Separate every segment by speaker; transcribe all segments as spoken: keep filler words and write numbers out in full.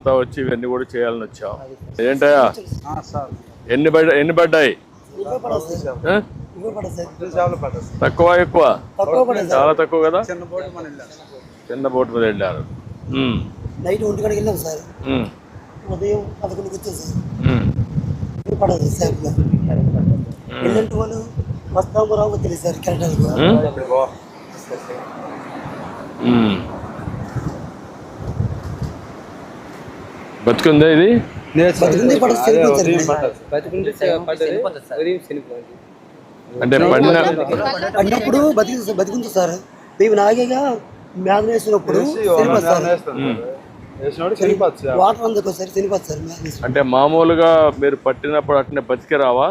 Speaker 1: వచ్చి ఇవన్నీ కూడా చేయాలని వచ్చావు. ఏంటయ్యా ఎన్ని పడ్డ ఎన్ని పడ్డాయి? తక్కువ ఎక్కువ? చాలా తక్కువ కదా. చిన్న బోట్ మీద వెళ్ళారు.
Speaker 2: నైట్ ఒంటి గంటకి వెళ్ళాం సార్. ఉదయం పదకొండుకి వచ్చాం సార్. పడదు సార్ వెళ్ళంటే వాళ్ళు వస్తాము రావు తెలియదు సార్. కరెక్ట్
Speaker 1: బతుకుందా ఇది? అంటే
Speaker 2: పడినప్పుడు బతికి బతికుంది సార్. మేము నాగేగా మ్యాథ్ వేసినప్పుడు వాటర్ అందుకోసారి చనిపోతుంది సార్.
Speaker 1: అంటే మామూలుగా మీరు పట్టినప్పుడు అట్నే బతికే రావా?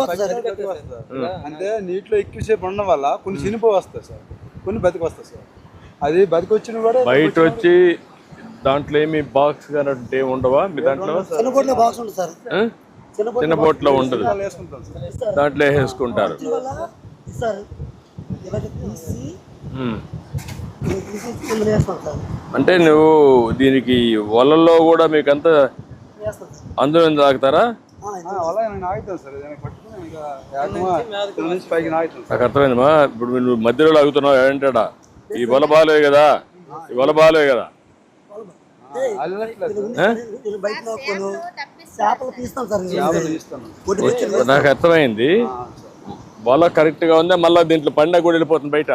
Speaker 3: అంటే నీటిలో ఎక్కువసేపు ఉండడం వల్ల కొన్ని చనిపో వస్తాయి సార్, కొన్ని బతికి వస్తాయి సార్. అది బతికి వచ్చిన కూడా
Speaker 1: బయట వచ్చి దాంట్లో ఏమి బాక్స్ కానీ ఉండవా మీ దాంట్లో?
Speaker 2: చిన్న బోట్లో బాక్స్ ఉంటుంది సార్.
Speaker 1: చిన్న బోట్లో ఉండదు, దాంట్లో వేసుకుంటారు. అంటే నువ్వు దీనికి వలల్లో కూడా మీకంతా అందులో తాగుతారా? నాకు అర్థమైందమ్మా. ఇప్పుడు నువ్వు మధ్యలో లాగుతున్నావు ఏంటా? ఈ వల బాలే కదా, ఈ వల బాలే కదా. నాకు అర్థమైంది. వల కరెక్ట్ గా ఉందా? మళ్ళీ దీంట్లో పండుగ కూడా వెళ్ళిపోతుంది బయట.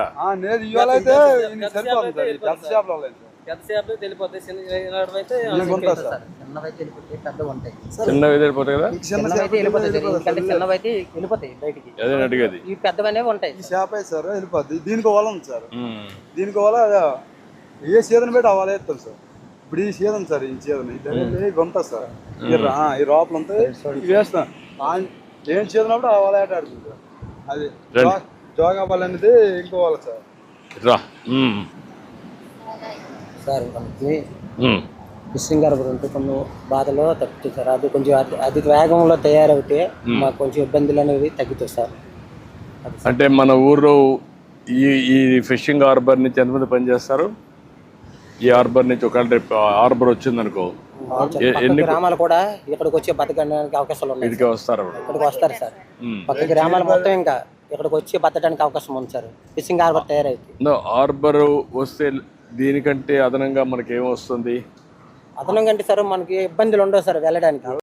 Speaker 1: చిన్నవి వెళ్ళిపోతాయి కదా. అదే అడిగేది.
Speaker 3: దీనికి వల ఉంది సార్. దీనికి వల ఏ సీజన్ పెట్టి అవ్వాలి వేస్తాం సార్. ఇప్పుడు ఈ సీజన్ సార్, ఈ సీజన్ ఇవి ఉంటుంది సార్. ఈ లోపల ఉంటాయి వేస్తాం. ఏం సీజన్ అప్పుడు ఆ వల ఆట ఆడుతుంది సార్. అది జోగా వల అనేది ఇంకో వల సార్.
Speaker 4: సార్ మనకి ఫిషింగ్ హార్బర్ ఉంటే కొన్ని బాధలో తగ్గుతుంది సార్. అది కొంచెం అధిక వేగంలో తయారవుతే మాకు కొంచెం ఇబ్బందులు అనేవి తగ్గుతాయి సార్.
Speaker 1: అంటే మన ఊర్లో ఈ ఈ ఫిషింగ్ హార్బర్ నుంచి ఎంతమంది పనిచేస్తారు? ఈ హార్బర్ నుంచి ఒకవేళ రేపు హార్బర్ వచ్చింది అనుకో,
Speaker 4: ఎన్ని గ్రామాలు కూడా ఇక్కడికి వచ్చి బతకడానికి అవకాశాలు ఉన్నాయి.
Speaker 1: ఇక్కడికి వస్తారు
Speaker 4: ఇక్కడికి వస్తారు సార్. పక్క గ్రామాలు మొత్తం ఇంకా ఇక్కడికి వచ్చి బతకడానికి అవకాశం ఉంది సార్. ఫిషింగ్ హార్బర్ తయారైతే
Speaker 1: హార్బర్ వస్తే దీనికంటే అదనంగా మనకి ఏమొస్తుంది?
Speaker 4: అదనంగా అంటే సార్ మనకి ఇబ్బందులు ఉండవు సార్ వెళ్ళడానికి.